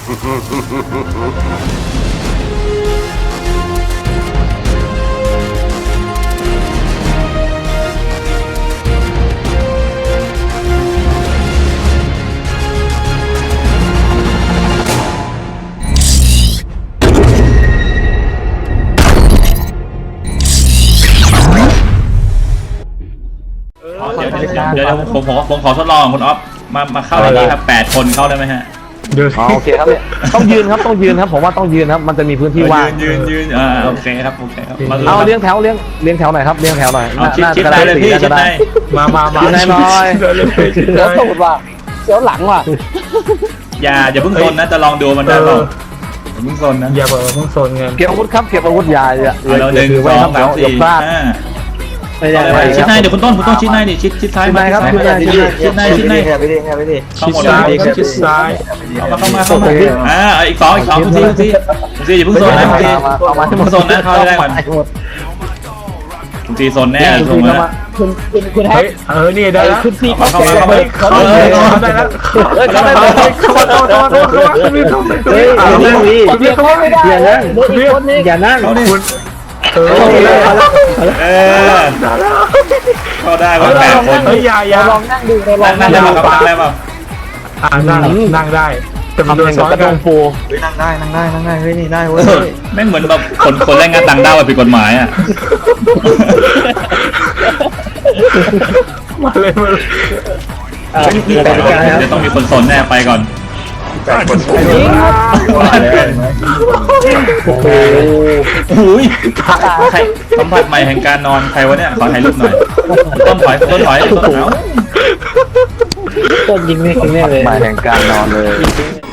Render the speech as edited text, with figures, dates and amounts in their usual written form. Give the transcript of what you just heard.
เดี๋ยวผมขอทดลองคุณอ๊อฟมาเข้าในนี้ครับ8 คนเข้าได้ไหมฮะโอเคครับเนี่ยต้องยืนครับผมว่าต้องยืนครับมันจะมีพื้นที่ว่างยืนโอเคครับเอาเลี้ยงแถวหน่อยครับเลี้ยงแถวหน่อยชิดได้เลยพี่ชิดได้มาชิดได้หน่อยเดี๋ยวตูดว่ะเดี๋ยวหลังว่ะอย่าเพิ่งซนนะจะลองดูมันได้เปล่าอย่าเพิ่งซนนะอย่าเพิ่งซนเงินเก็บอาวุธครับเก็บอาวุธยาเรา1 2 3 4 5ชิดในเดี๋ยวคุณต้นชิดในดิชิดซ้ายมาครับชิดในไปดิเข้าหมดเลยชิดซ้ายเข้ามาอีก2ทีอย่าเพิ่งโซนนะทีโซนนะเข้าได้ก่อนทีโซนแน่ตรงนั้นคุณให้นี่ได้แล้วคุณซีเข้าได้แล้วได้แล้วเข้าอย่านั่งคุณเข้าได้ว่า8 คนอย่าลองนั่งดูนั่งได้ป่ะนั่งได้แต่มันโดนซ้อนกันปูนั่งได้เฮ้ยนี่ได้เว้ยแม่งเหมือนแบบคนแรงงานต่างด้าวผิดกฎหมายอ่ะมาเลยจะต้องมีคนสนแน่ไปก่อนโอ้ยใครสัมผัสใหม่แห่งการนอนใครวะเนี่ยขอถ่ายรูปหน่อยต้นถอยต้นยิงไม่เลยใหม่แห่งการนอนเลย